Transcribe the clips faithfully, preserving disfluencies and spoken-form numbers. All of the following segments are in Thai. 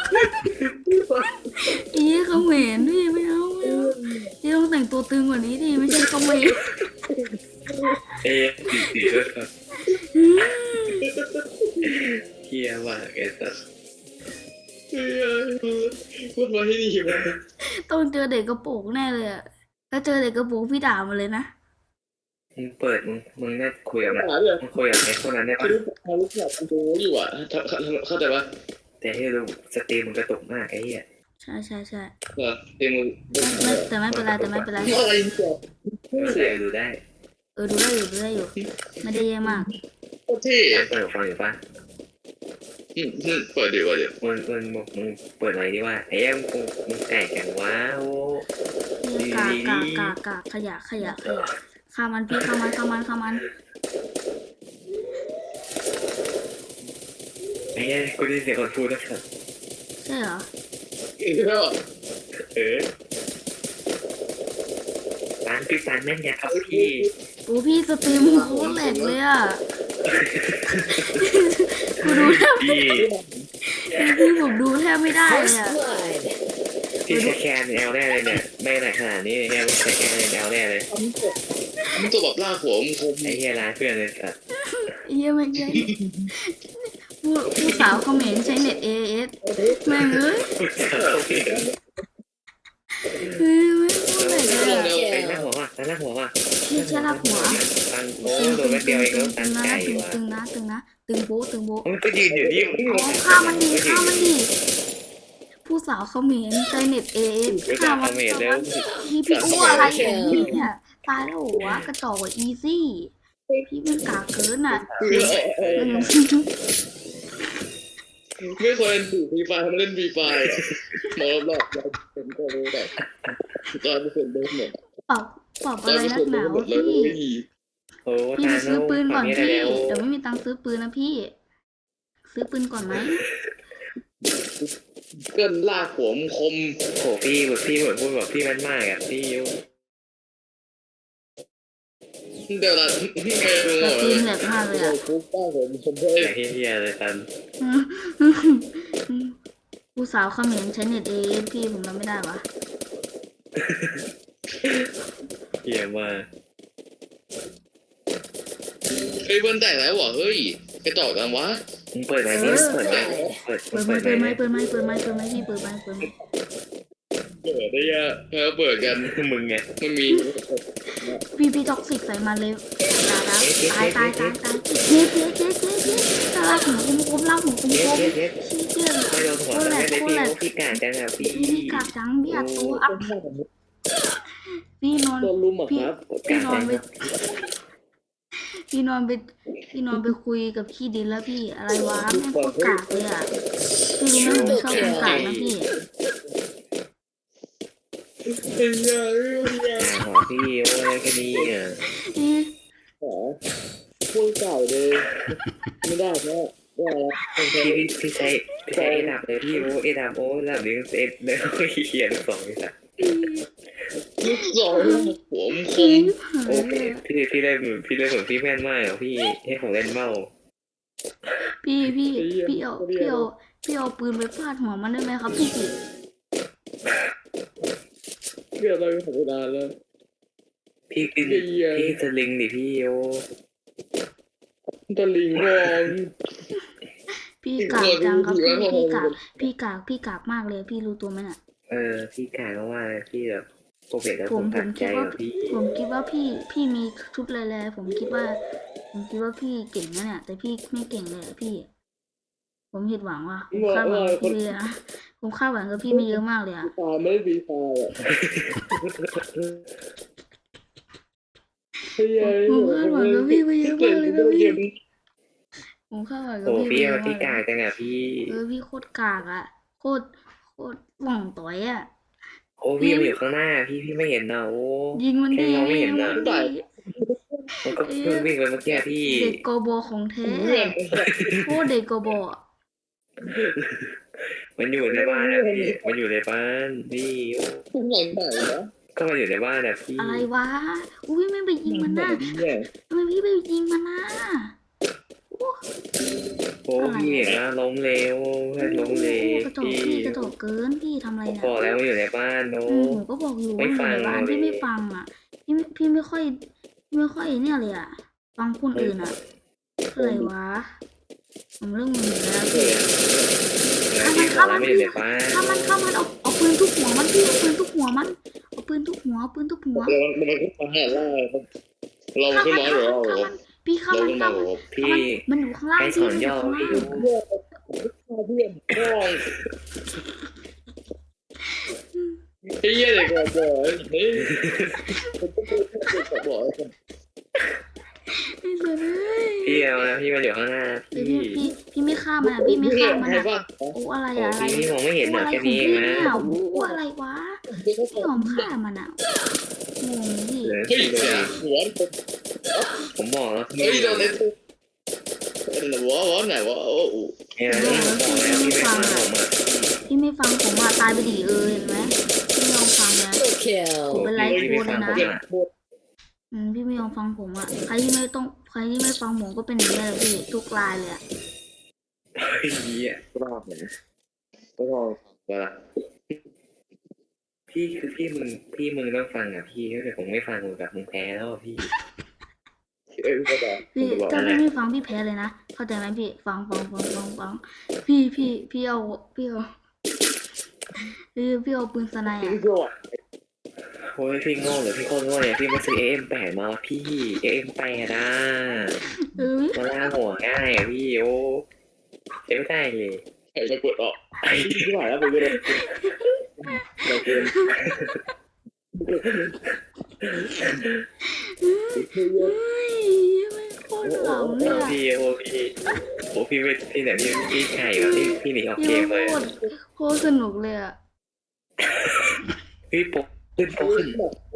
อีเขมรพี่ไม่เอาไม่เอาพี่ต้องแต่งตัวตึงกว่านี้ดิไม่ใช่เขมรเอ๊ะสีสีด้วยครับเฮียมากไอ้สัสเฮ้ยพูดมาให้ดีวะต้องเจอเด็กกระโปรงแน่เลยอะถ้าเจอเด็กกระโปรงพี่ด่ามันเลยนะมึงเปิดมึงมึงน่าคุยกับมันหาเลยมึงคุยกับไอ้คนนั้นได้เขาปะรู้เขารู้จักกันดูอยู่อ่ะเข้าใจปะแต่ให้รู้สตรีมมึงกระตุกมากไอ้เหี้ยใช่ใช่ใช่เออเต็มมือไม่แต่ไม่เป็นไรแต่ไม่เป็นไรอะไรเนี่ยไม่ใส่ดูได้เออดูได้อยู่ดูได้อยู่ไม่ได้แย่มากโคตรเท่เปิดฟังอยู่ปะอืมอืมเปิดดีกว่าเดี๋ยวมึงมึงมึงมึงเปิดอะไรดีว่าไอ้เหี้ยมึงมึงแตกกันว้าวพี่กากากากาขยะขยะขยะฆ่ามันพี่ฆ่ามันฆ่ามันฆ่ามันไอ้เหี้ยกูได้ยินเสียงคนพูดแล้วครับใช่เหรอเออแล้วเออร้านพี่ปานแม่นยาครับพี่โอ้พี่สตรีมโคตรแหลกเลยอ่ะกูดูแทบพี่พี่ผมดูแทบไม่ได้เลยอ่ะพี่แค่แคนแอลแน่เลยเนี่ยไม่ไหนขนาดนี้เนี่ยแค่แคนแอลแน่เลยมันตัวแบบลากหัวมันคมไอ้เหี้ยร้านเพื่อนเลยสัสเยี่ยไม่ใช่ผู้ผู้สาวเขมรใช้เน็ต เอ เอส แม่งเอ้ยเฮ้ยไม่พูดเลยเลยอ่ะไอ้หน้าหัวว่ะหน้าหัวว่ะพี่แค่รับหัวตันโอ้โดนแม่เดียวเองแล้วตันนะไก่ตึงว่ะตึงนะตึงนะตึงโบ๊ะตึงโบ๊ะมันก็ยืนอยู่นี่อ๋อฆ่ามันดีฆ่ามันดีผู้สาวเขมรใช้เน็ต เอ เอสไม่ฆ่าจับมันเมดแล้วพี่พี่อ้วอะไรอย่างนี้เนี่ยตายแล้วหัวกระจอกกว่าอีซี่พี่เป็นกากเกินอ่ะไม่ควรเล่นฟรีไฟล์มาเล่นฟรีไฟล์มองรอบๆเราเป็นคนรู้แบบตอนเป็นเดิมหมดปรับปรับอะไรนักหนาวะเลยพี่โอ้พี่ไปซื้อปืนก่อนพี่แล้วเดี๋ยวไม่มีตังค์ซื้อปืนนะพี่ ซื้อปืนก่อนไหมเกินลากหัวมันคมโอ้พี่แบบพี่เหมือนพูดแบบพี่มันมากอ่ะพี่ยูเดี๋ยวละไม่รู้แต่เลปืนยแหลกมากเลยอ่ะปุ๊บป้าผมคมเท่แต่เฮียเลยตันผู้สาวเขมรใช้เน็ตเอพี่ผมรับไม่ได้วะเฮียมากเฮ้ยเบิ้ลแตกแล้ววะเฮ้ยไปต่อกันวะมึงเปิดไหนนี่เปิดไหนเปิดเปิดเปิไม้ดไหนเปิดไม้เปิดไม้เปิดไม้เปิดไม้พี่เปิดไม้เปิดไม้เปิดได้ยะแล้วเปิดกันมึงไงมันมีพี่พี่ท็อกซิกใส่มาเลยตายแล้วตายตายตายตายเจ๊เจ๊เจ๊เจ๊เจ๊ตาลากหัวคุ้มคุ้มลากหัวคุ้มเย็ดคุ้มเย็ดเย็ดชี้เจี๊ยไม่โดนหัวไม่ได้พี่พี่กาจังอ่ะพี่พี่พี่กากจังพี่อัดตัวอัพพี่นอนโดนลุมอ่ะพี่ครับพี่นอนไปพี่นอนไปพี่นอนไปคุยกับพี่ดินแล้วพี่อะไรวะแม่งโคตรกากเลยอ่ะพี่รู้ไหมผมชอบคนกากนะพี่เฮ้ยเฮ้ยหัวพี่โอ้ยแค่นี้อ่ะนี่หอพูดเก่าเลยไม่ได้แค่ว่าแล้วพี่พี่พี่ใช้พี่ใช้เอดับเลยพี่โอ้เอดับโอ้ระดับนี้เอฟเนี่ยเขียนสองนี่สักลูกสองหัวมันคพี่มโอ้พี่พี่พี่เล่นพี่เล่นเหมือนพี่แม่นมากอ่ะพี่ให้ผมเล่นเมาพี่พี่พี่เอาพี่เอาพี่เอาปืนไปฟาดหัวมันได้ไหมครับพี่เรื่องอะไรของเวลาแล้วพี่ขึ้นพี่จะลิงดิพี่โอ้ตะลิงมองพี่กากจังครับพี่พี่กากพี่กากพี่กากมากเลยพี่รู้ตัวไหมน่ะเออพี่กายก็ว่าพี่แบบโปรเฟกแล้วผผม มผตัมดใจคิดว่ากับพี่ผมคิดว่าพี่พี่มีชุดแร่ๆผมคิดว่า ผมคิดว่าพี่เก่งนะเนี่ยแต่พี่ไม่เก่งเลยอะพี่ ผมผิดหวังว่ะผมคาดหวังกับพี่เลยนะผมคาดหวังกับพี่ไม่เยอะมากเลยอะตาไม่ได้ดีตาอ่ะเฮ้ยผมคาดหวังกับพี่ไม่เยอะมากเลยนะพี่ผมคาดหวังกับโอ้พี่พี่ไม่เยอะพี่มากกายจังอ่ะพี่เออพี่โคตรกากอะโคตรโคตรหว่องต่อยอะโอ้พี่มันอยู่ข้างหน้าพี่พี่ไม่เห็นนะโอ้ยิงมันดีแค่มองไม่เห็นยิงนะมันดีมันก็เพิ่งวิ่งไปเมื่อกี้พี่เด็กโกโบของแท้เพื่อนโคตรเด็กโกโบอะมันอยู่ในบ้านนะพี่มันอยู่ในบ้านพี่ทุกอย่างไหนนะก็มาอยู่ในบ้านนะพี่อะไรวะอุ้ยไม่ไปยิงมันนะเนี่ยทำไมพี่ไปยิงมันนะโอ้พี่เห็นนะล้มเร็วเพื่อนล้มเร็วกระจอกพี่พี่กระจอกเกินพี่ทำอะไรผมเนี่ยบอกแล้วว่าอยู่ในบ้านโน้อืมผมก็บอกอยู่ไม่ว่าอยู่ในฟังบ้านเลยพี่ไม่ฟังอ่ะ พี่ไม่พี่ไม่ค่อยพี่ไม่ค่อยเนี่ยเลยอ่ะ ฟังคนอื่นอ่ะอะไรวะผมเรื่องมึงอยู่แล้วเอพี่อแล้วพี่บอกแล้วไม่อยู่ในบ้านข้ามันข้ามันเอาเอาปืนทุบหัวมันพี่เอาปืนทุบหัวมันเอาปืนทุบหัวเอาปืนทุบหัวเรามันขึ้นมาหาล่าเราขึ้นมาหรือเราข้ามันพี่ข้าเรามันขึ้นข้ามามันหรือพี่มันอยู่ข้างล่างไอ้สพี่อนมันอยู่ย่อข้างล่างพี่ดูเพื่อนน้องไอ้เหี้ยเด็กบอกเฮ้ยบอกไอ้สัสเอ้ยพี่เอานะพี่มาอยู่ข้างหน้าเดี๋ยวพี่พี่พี่พี่ไม่ฆ่ามันอ่ะพี่ไม่ฆ่ามันใครอ่ะบ้างโอ้อะไรโอ้อะอะไรพี่พี่มองไม่เห็นโอ้เหรออะไรแค่ของนี้เอพี่งนะเนี่ยโอ้อะไรวะไม่ยอมฆ่ามันอ่ะงงพี่เหลือเฮ้ยพี่ดูเสียดิหัวผมบอกแล้วพี่เฮ้ยโดนเล่นหัวหัวไหนวะโอ้โหเนี่ยผมบอกแล้วพี่ไม่ฟังผมอ่ะพี่ไม่ฟังผมอ่ะตายไปดีเออเห็นไหมพี่ไม่ยอมฟังนะ Double kill. ผมเป็นไลฟ์พี่โค้ไม่ดเลฟังยผนะมอ่ะอืมพี่ไม่ยอมฟังผมอ่ะใครที่ไม่ต้องใครที่ไม่ฟังผมก็เป็นอย่างนี้แหละพี่ทุกรายเลยอ่ะเฮ้ยเหี้ยรอบเนี่ยก็รอเวลาพี่คือพี่มึงพี่มึงต้องฟังอ่ะพี่ถ้าเกิดผมไม่ฟังมึงแบบมึงแพ้แล้วอะพี่เอ้ยก็ได้พี่ถ้าพี่ไม่ฟังพี่แพ้เลยนะเข้าใจไหมพี่ฟังฟังฟังฟังฟังพี่พี่พี่เอาพี่เอาพี่พี่เอาปืนสไนด์พี่อ่ะก็โอ้ยพี่โง่เหรือพี่โคตรโง่เนี่ยพี่มาซื้อเอ็มแปดมาพี่เอ็มแปดอ่ะเออมาล่าหัวง่ายอ่ะพี่โอ้ใช้ไม่ได้เลยใครจะกดออกไอ้ที่ไหนแล้วไปก็ได้เราเกินเฮ้ยไม่โคตรหลังเลยอ่ะพี่โอ้พี่โอ้พี่ไม่พี่ไหนพี่พี่ไข่แบบพี่พี่หนีออกเกพี่มเลยโคตรโคตรสนุกเลยอ่ะพี่โป๊ะขึ้นโป๊ะขึ้น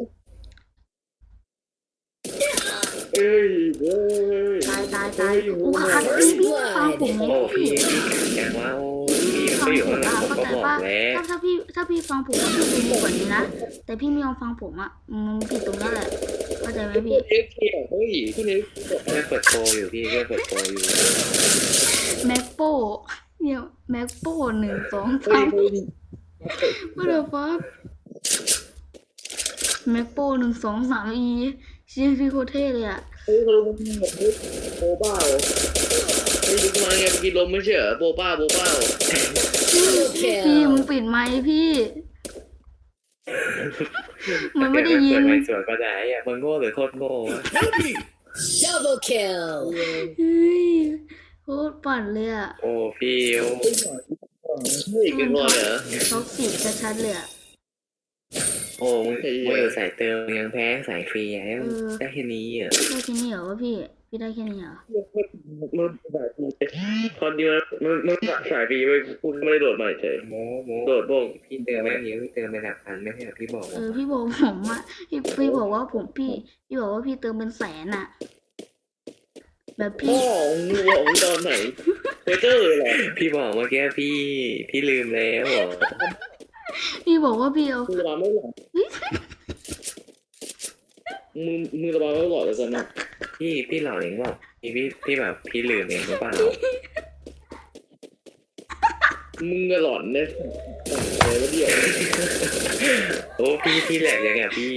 เอ้ยเอ้ยตายตายตายโอ้ขาดพี่พี่ไม่ฟังผมไงโอ้พี่พี่พี่อย่างว่าโอ้พี่มันก็อยู่ข้างหลังผมก็บอกแล้วถ้าถ้าพี่ถ้าพี่ฟังผมก็คือดีกว่านี้นะแต่พี่ไม่ยอมฟังผมอ่ะมันผิดตรงนั้นแหละเข้าใจไหมพี่เอ็กเทียเฮ้ยคุณเอ็กเพื่อนเปิดโปรอยู่พี่เพื่อนเปิดโปรอยู่แม็กโปเนี่ยแม็กโปหนึ่งสองเฮ้สาย มเฮ้ยว่าเดี๋ยวฟักแม็กโปหนึ่งสองสามอีชื่อพี่โคตรเท่เลยอ่ะเฮ้ยเขาลงมาแบบเฮ้ยโบบ้าเหรอเฮ้ยลุกมาไงกินลมไม่ใช่เหรอโบบ้าโบบ้าพี่มึงปิดไมค์พี่ มันไม่ได้ยินเปิดไมค์สวนก็ได้อะมึงโง่หรือโคตรโง่วะ Double kill. เฮ้ยโคตรปั่นเลยอ่ะโอ้พี่โอ้เฮ้ยกินก่อนเหรอท็อกซิกชัดๆเลยอ่ะโอ้มึงมึงอยู่สายเติมยังแพ้สายฟรีอะได้แค่นี้อ่ะได้แค่นี้เหรอวะพี่ พี่ได้แค่นี้เหรอมันสายปีตอนเดียวมันมันสายปีไปคุณไม่ได้โดดใหม่เฉยโม้โม้โดดบ้งพี่เติมไม่เยอะพี่เติมไปหลักพันไม่ใช่เหรอพี่บอกเออพี่บอกผมอ่ะพี่พี่บอกว่าผมพี่พี่บอกว่าพี่เติมเป็นแสนอ่ะ แบบพ่อพี่มึงบอกมึงตอนไหนเฟเจอร์เลยเหรอพี่บอกเมื่อกี้พี่พี่ลืมแล้วเหรอพี่บอกว่าพี่เอามึงระบายไม่หลอดมึงมึงระบายไม่หลอดเลยตอนนั้นพี่พี่หล่อเองบอกพี่พี่พี่แบบพี่ลืมเองหรือเปล่ามึงหลอนเนี่ยอะไรวะเดี๋ยวโอ้พี่พี่แหลกยังไงพี่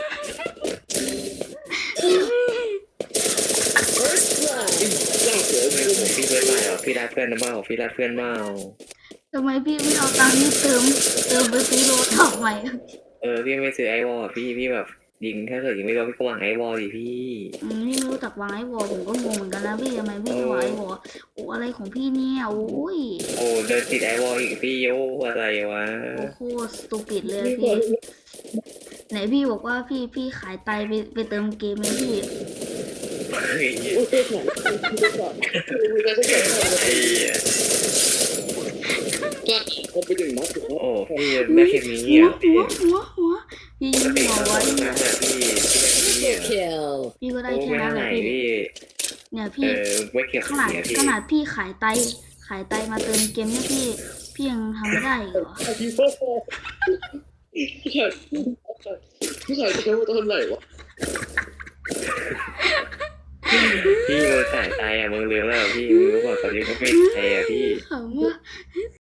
First blood. ร่างเสือไม่ผมพี่เพื่อนมาเหรอพี่รักเพื่อนนะเปล่าพี่รักเพื่อนเปล่าทำไมพี่ไม่เอาตังค์ที่เติม เติมไปซื้อโรท็อกใหม่เออพี่ไม่ซื้อไอวอลพี่พี่แบบยิงถ้าเกิดยิงไม่โดนพี่ก็วางไอวอลดิพี่อืมพี่ไม่รู้จักวางไอ้วอลผมก็งงเหมือนกันนะพี่ทำไมพี่ไม่วางไอ้วอลโอ้อะไรของพี่เนี่ยโอ้ยโอ้เดินติดไอวอลอีกพี่โอ้อะไรวะโอ้โคตรสตูปิดเลยพี่ ไหนพี่บอกว่าพี่พี่ขายไตไปไปเติมเกมเลยพี่เฮ้ยโอ้ยเจ้าของมึงจะต้องเกิดอะไรไอ้เหี้ยกล้าเขาไปถึงนัดถึงนัดโอ้พี่ได้แค่นี้หัวอ่ะพี่หัวหัวหัวพี่ยิงพี่หัวเขาไว้บอกนะพี่พี่ได้แค่นี้ Triple อ่ะ kill. พี่ก็ได้โอ้แค่ไม่นั้นเท่าแหไหละร่พี่พี่เนี่ยเอพี่อไม่เก็บขนาดเสียพี่ขนาดพี่ขายไตขายไตมาเติมเกมเนี่ยพี่พี่ยังทำไม่ได้อีกเหรอพี่พ่อพี่ชายพี่ชายจะใช้ว่าตอนไหนวะพี่มึงสายใจอ่ะมึงเลือกแล้วพี่มึงรู้ว่าตอนนี้ก็ไม่ใจอ่ะพี่ขำว่า